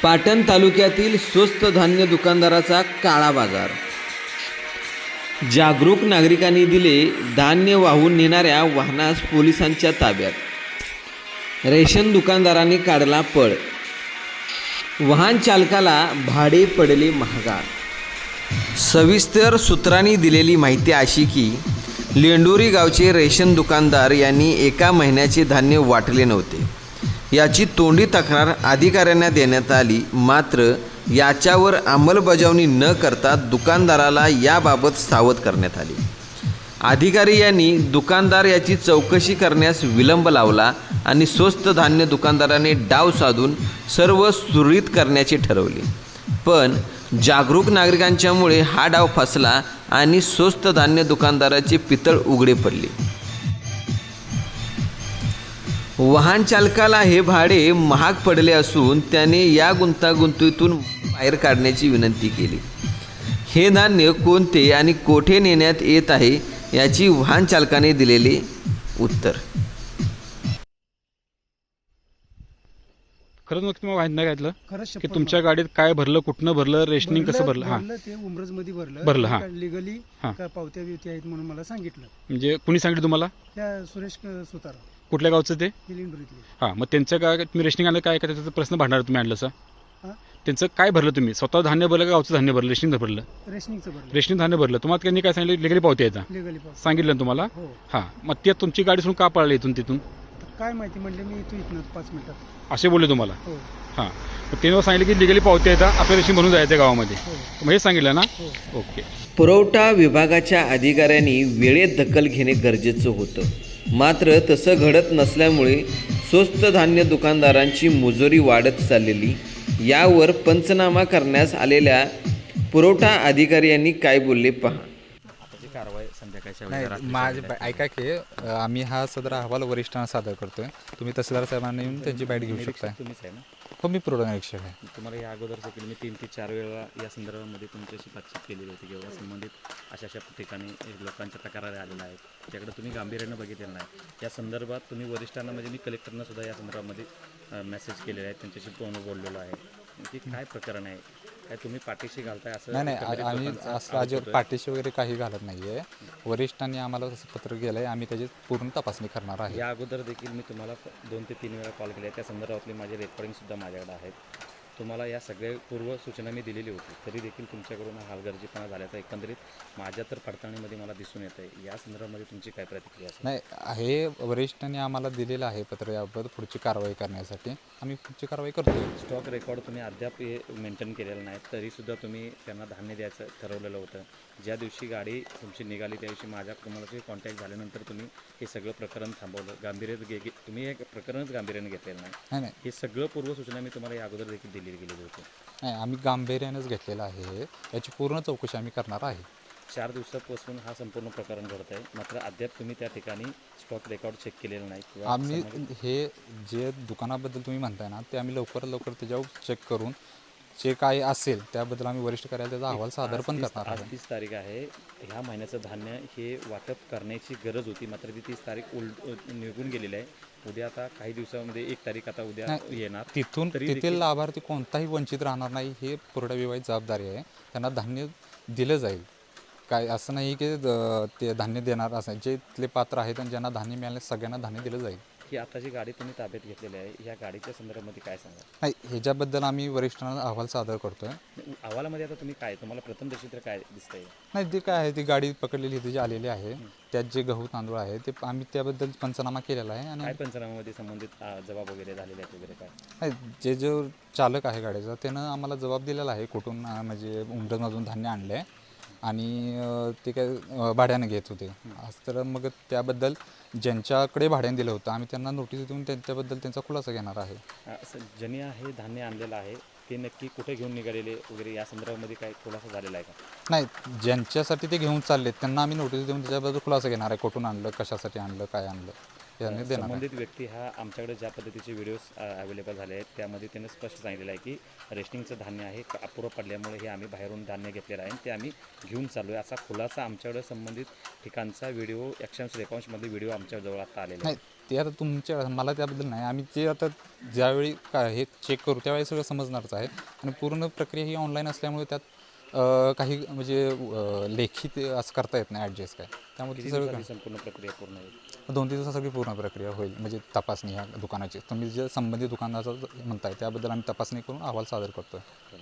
पाटण तालुक्यातील स्वस्त धान्य दुकानदाराचा काळा बाजार. जागरूक नागरिकांनी दिले धान्य वाहून नेणाऱ्या वाहनास पोलिसांच्या ताब्यात. रेशन दुकानदारांनी काढला पळ. वाहन चालकाला भाडे पडले महागात. सविस्तर सूत्रांनी दिलेली माहिती अशी की लेंडोरी गावचे रेशन दुकानदार यांनी एका महिन्याचे धान्य वाटले नव्हते. याची तोंडी तक्रार अधिकाऱ्यांना देण्यात आली, मात्र याच्यावर अंमलबजावणी न करता दुकानदाराला याबाबत सावध करण्यात आले. अधिकारी यांनी दुकानदार याची चौकशी करण्यास विलंब लावला आणि स्वस्त धान्य दुकानदाराने डाव साधून सर्व सुरळीत करण्याचे ठरवले. पण जागरूक नागरिकांच्यामुळे हा डाव फसला आणि स्वस्त धान्य दुकानदाराचे पितळ उघडे पडले. वाहन चालकाला हे भाडे महाग पडले असून त्याने या गुंतागुंतीतून बाहेर काढण्याची विनंती केली. हे धान्य कोणते आणि कोठे नेण्यात येत आहे याची वाहन चालकाने दिलेले उत्तर. खरंच मग तुम्हाला माहित नाही घातलं खरंच की शपथ तुमच्या गाडीत काय भरलं, कुठनं भरलं, रेशनिंग कसं भरलं? हां, ते उमरज मध्ये भरलं, हां. लिगली हां. काय पावत्या बिवत्या आहेत म्हणून मला सांगितलं. म्हणजे कुणी सांगितलं तुम्हाला? त्या सुरेश सुतार कुठल्या गावचं ते? लिंडोरीतले. हां, मग त्यांचं काय तुम्ही रेशनिंग आणलं काय त्याचा प्रश्न भांडणार तुम्ही आणलं सर? हां. त्यांचं काय भरलं तुम्ही? स्वतः धान्य भरलं का गावचं धान्य भरलं? रेशनिंग भरलं? रेशनिंगचं भरलं. रेशनिंग धान्य भरलं. तुम्हाला त्यांनी काय सांगितलं? लिगली पावती यायचा लिगली पावती सांगितलं ना तुम्हाला? हो. हां, मग ते तुमची गाडी सोडून का पळाली इथून तिथून तर काय माहिती म्हणले मी तू इथनं 5 मिनिटात. असे बोलले तुम्हाला? हो हां, मग त्यांनी सांगितलं की लिगली पावती येतात आपल्या रेशनिंग भरून जायचं गावामध्ये. हो मग हे सांगितलं ना? हो. ओके. पुरवठा विभागाच्या अधिकाऱ्यांनी वेळेत दखल घेणे गरजेचं होतं, मात्र तसं घडत नसल्यामुळे स्वस्त धान्य दुकानदारांची मुजोरी वाढत चाललेली. यावर पंचनामा करण्यास आलेल्या पुरवठा अधिकारी यांनी काय बोलले पहा. नाही माझे ऐका की आम्ही हा सदर अहवाल वरिष्ठांना सादर करतोय. तुम्ही तहसीलदार साहेबांना येऊन त्यांची बाईट घेऊ शकता. तुम्हीच आहे ना? हो, मी पुरवठा निरीक्षक आहे. तुम्हाला या अगोदर देखील मी 3 ते 4 वेळा या संदर्भामध्ये तुमच्याशी बातचीत केलेली होती किंवा संबंधित अशा ठिकाणी लोकांच्या तक्रारी आलेल्या आहेत, त्याकडे तुम्ही गांभीर्यानं बघितलेलं नाही. या संदर्भात तुम्ही वरिष्ठांना म्हणजे मी कलेक्टरना सुद्धा या संदर्भामध्ये मेसेज केलेले आहेत, त्यांच्याशी फोन बोललेलो आहे की काय प्रकरण आहे, काय तुम्ही पाठीशी घालताय असं? नाही आम्ही असं आज पाठीशी वगैरे काही घालत नाही आहे. वरिष्ठांनी आम्हाला तसं पत्र केलं आहे, आम्ही त्याची पूर्ण तपासणी करणार आहे. या अगोदर देखील मी तुम्हाला 2 ते 3 वेळा कॉल केले, त्या संदर्भातली माझे रेकॉर्डिंगसुद्धा माझ्याकडे आहेत. तुम्हाला या सगळ्या पूर्व सूचना मी दिलेली होती, तरी देखील तुमच्याकडून हलगर्जीपणा झाल्याचा एकंदरीत माझ्या तर पडताळणीमध्ये मला दिसून येतं आहे. या संदर्भामध्ये तुमची काय प्रतिक्रिया असेल? नाही, हे वरिष्ठांनी आम्हाला दिलेलं आहे पत्र. याबाबत पुढची कारवाई करण्यासाठी आम्ही पुढची कारवाई करतो. स्टॉक रेकॉर्ड तुम्ही अद्याप हे मेंटेन केलेलं नाही, तरीसुद्धा तुम्ही त्यांना धान्य द्यायचं ठरवलेलं होतं. ज्या दिवशी गाडी तुमची निघाली त्या दिवशी माझ्या तुम्हाला कॉन्टॅक्ट झाल्यानंतर तुम्ही हे सगळं प्रकरण थांबवलं. तुम्ही हे प्रकरणच गांभीर्याने घेतलेलं नाही. हे सगळं पूर्वसूचना मी तुम्हाला या अगोदर देखील दिलेली गेलेली होती. नाही, आम्ही गांभीर्यानेच घेतलेलं आहे. याची पूर्ण चौकशी आम्ही करणार आहे. 4 दिवसापासून हा संपूर्ण प्रकरण घडत आहे, मात्र अद्याप तुम्ही त्या ठिकाणी स्टॉक रेकॉर्ड चेक केलेलं नाही किंवा आम्ही हे जे दुकानाबद्दल तुम्ही म्हणताय ना, ते आम्ही लवकरात लवकर त्याच्यावर चेक करून जे काय असेल त्याबद्दल आम्ही वरिष्ठ कार्यालयात त्याचा अहवाल सादर पण करणार आज आहे. 30 तारीख आहे. ह्या महिन्याचं धान्य हे वाटप करण्याची गरज होती, मात्र ती 30 तारीख निघून गेलेली आहे. उद्या आता काही दिवसामध्ये 1 तारीख आता उद्या येणार. तेथील लाभार्थी कोणताही वंचित राहणार नाही, हे पुरवठा विभागाची जबाबदारी आहे. त्यांना धान्य दिलं जाईल. काय असं नाही की ते धान्य देणार असं, जे इथले पात्र आहेत आणि ज्यांना धान्य मिळाले सगळ्यांना धान्य दिलं जाईल. ही आता जी गाडी तुम्ही ताब्यात घेतलेली आहे, या गाडीच्या संदर्भामध्ये काय सांगा? नाही, ह्याच्याबद्दल आम्ही वरिष्ठांना अहवाल सादर करतोय. अहवालामध्ये आता तुम्ही काय तुम्हाला प्रथमदर्शी तर काय दिसतंय? नाही, ते काय आहे, ती गाडी पकडलेली इथे जी आलेली आहे त्यात जे गहू तांदूळ आहे ते आम्ही त्याबद्दल पंचनामा केलेला आहे. आणि काय पंचनाम्यामध्ये संबंधित जबाब वगैरे झालेले आहेत वगैरे काय? नाही, जो चालक आहे गाडीचा त्यानं आम्हाला जबाब दिलेला आहे, कुठून म्हणजे उमरजमधून धान्य आणलं आहे आणि ते काय भाड्याने घेत होते. तर मग त्याबद्दल ज्यांच्याकडे भाड्याने दिलं होतं आम्ही त्यांना नोटीस देऊन त्यांच्याबद्दल त्यांचा खुलासा घेणार आहे. ज्यांनी हे धान्य आणलेलं आहे ते नक्की कुठे घेऊन निघालेले वगैरे या संदर्भामध्ये काय खुलासा झालेला आहे का? नाही, ज्यांच्यासाठी ते घेऊन चालले त्यांना आम्ही नोटीस देऊन त्याच्याबद्दल खुलासा घेणार आहे, कुठून आणलं, कशासाठी आणलं, काय आणलं याने देणार. संबंधित व्यक्ती हा आमच्याकडे ज्या पद्धतीचे व्हिडिओज अवेलेबल झाले आहेत त्यामध्ये त्याने स्पष्ट सांगितलेलं आहे की रेशनिंगचं धान्य आहे अपुरं पडल्यामुळे हे आम्ही बाहेरून धान्य घेतलेलं आहे ते आम्ही घेऊन चाललो आहे, असा खुलासा आमच्याकडे संबंधित ठिकाणचा व्हिडिओ 180 रेकॉर्ड्समध्ये व्हिडिओ आमच्याजवळ आता आलेला आहे. ते आता तुमच्या मला त्याबद्दल नाही, आम्ही ते आता ज्यावेळी काय हे चेक करू त्यावेळी सगळं समजणारच आहे. आणि पूर्ण प्रक्रिया ही ऑनलाईन असल्यामुळे त्यात काही म्हणजे लेखी ते असं करता येत नाही ॲडजस्ट काय, त्यामुळे ते सगळं संपूर्ण प्रक्रिया पूर्ण होईल. 2-3 दिवसात सगळी पूर्ण प्रक्रिया होईल. म्हणजे तपासणी ह्या दुकानाची तुम्ही जे संबंधित दुकानाचं म्हणताय त्याबद्दल आम्ही तपासणी करून अहवाल सादर करतो.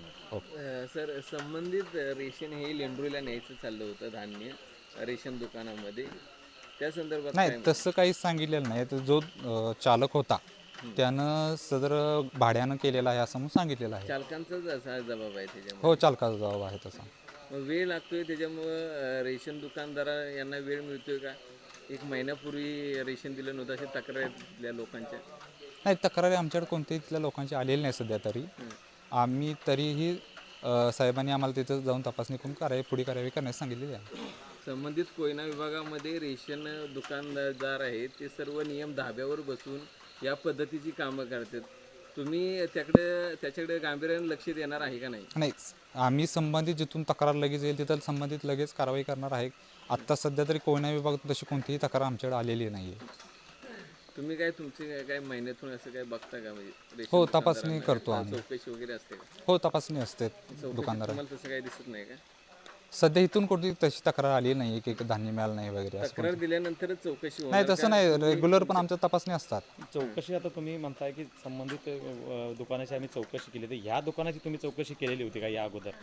सर, संबंधित रेशन हे लेंडरूला न्यायचं चाललं होतं धान्य रेशन दुकानामध्ये, त्या संदर्भात नाही काय तसं काहीच सांगितलेलं नाही. तर जो चालक होता त्यानं सदर भाड्यानं केलेला आहे असं म्हणून सांगितलेलं आहे. चालकांचाच असा जबाब आहे त्याच्यामध्ये? हो, चालकाचा जबाब आहे तसा. मग वेळ लागतोय त्याच्यामुळं रेशन दुकानदार यांना वेळ मिळतोय का? 1 महिन्यापूर्वी रेशन दिलं नव्हतं अशी तक्रार आहेत तिथल्या लोकांच्या. नाही, तक्रारी आमच्याकडे कोणत्याही तिथल्या लोकांची आलेली नाही सध्या तरी. आम्ही तरीही साहेबांनी आम्हाला तिथं जाऊन तपासणी करून पुढे कारवाई करण्यास सांगितलेली आहे. संबंधित कोयना विभागामध्ये रेशन दुकानदार आहेत ते सर्व नियम धाब्यावर बसून या पद्धतीची कामं करतात. तुम्ही त्याच्याकडे गांभीर्याने लक्ष देणार आहे का नाही? नाही, आम्ही संबंधित जिथून तक्रार लगेच येईल तिथं संबंधित लगेच कारवाई करणार आहे. आत्ता सध्या तरी कोयना विभागात तशी कोणतीही तक्रार आमच्याकडे आलेली नाही आहे. तुम्ही काय तुमचे काय महिन्यातून असं काय बघता का? म्हणजे रेशन हो, दुकानदारांना तपासणी करतो काय आम्ही. चौकशी वगैरे असते का? हो, तपासणी असते चौकशी दुकानदार. तुम्हाला तसं काही दिसत नाही का? सध्या इथून कोणती तशी तक्रार आली नाही की धान्य मिळालं नाही वगैरे असं तक्रार दिल्यानंतरच चौकशी होणार नाही, तसं का? नाही. रेग्युलर पण आमच्या तपासणी असतात. चौकशी आता तुम्ही म्हणताय की संबंधित दुकानाची आम्ही चौकशी केली, तर या दुकानाची तुम्ही चौकशी केलेली होती का या अगोदर?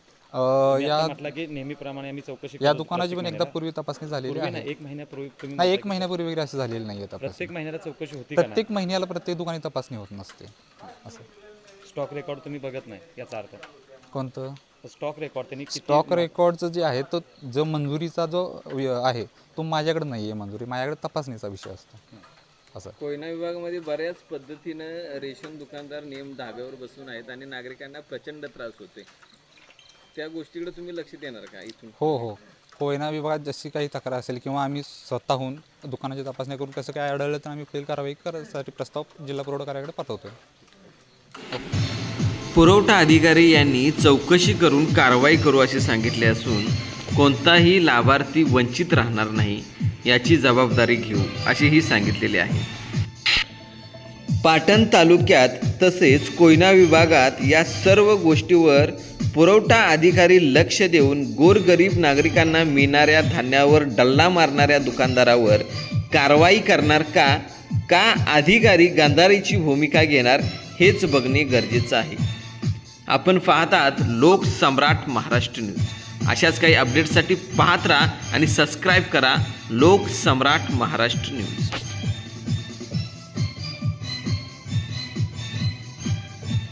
या म्हटलं की नेहमीप्रमाणे आम्ही चौकशी या करतो दुकानाची पण प्रत्येक एकदा पूर्वी तपासणी झालेली महिन्याला. आहे. नाही, 1 महिन्यापूर्वी तुम्ही नाही, म्हणताय 1 महिन्यापूर्वी वगैरे असं झालेलं नाही आहे की तपासणी. प्रत्येक महिन्याला चौकशी होती का? प्रत्येक महिन्याला प्रत्येक दुकानी तपासणी होत नसते. असं स्टॉक रेकॉर्ड तुम्ही बघत नाही याचा अर्थ? कोणतं स्टॉक रेकॉर्ड त्यांनी किती स्टॉक रेकॉर्डचं जे आहे तो जो मंजुरीचा जो आहे तो माझ्याकडे नाही आहे. मंजुरी माझ्याकडे तपासणीचा विषय असतो. असं कोयना विभागामध्ये बऱ्याच पद्धतीनं रेशन दुकानदार नियम धाब्यावर बसून आहेत आणि नागरिकांना प्रचंड त्रास होतोय. त्या गोष्टीकडे तुम्ही लक्ष देणार का इथून? हो, कोयना विभागात जशी काही तक्रार असेल किंवा आम्ही स्वतःहून दुकानाची तपासणी करून कसं काय आढळलं तर आम्ही पुढील कारवाई करण्यासाठी प्रस्ताव जिल्हा पुरवठा कार्यालयाकडे पाठवतो. पुरवठा अधिकारी यांनी चौकशी करून कारवाई करू असे सांगितले असून कोणताही लाभार्थी वंचित राहणार नाही याची जबाबदारी घेऊ असेही सांगितलेले आहे. पाटण तालुक्यात तसेच कोयना विभागात या सर्व गोष्टीवर पुरवठा अधिकारी लक्ष देऊन गोरगरीब नागरिकांना मिळणाऱ्या धान्यावर डल्ला मारणाऱ्या दुकानदारावर कारवाई करणार का अधिकारी गांधारीची भूमिका घेणार हेच बघणे गरजेचं आहे. आपण पाहतात लोकसम्राट महाराष्ट्र न्यूज. अशाच काही अपडेट्ससाठी पाहत राहा आणि सबस्क्राईब करा लोकसम्राट महाराष्ट्र न्यूज.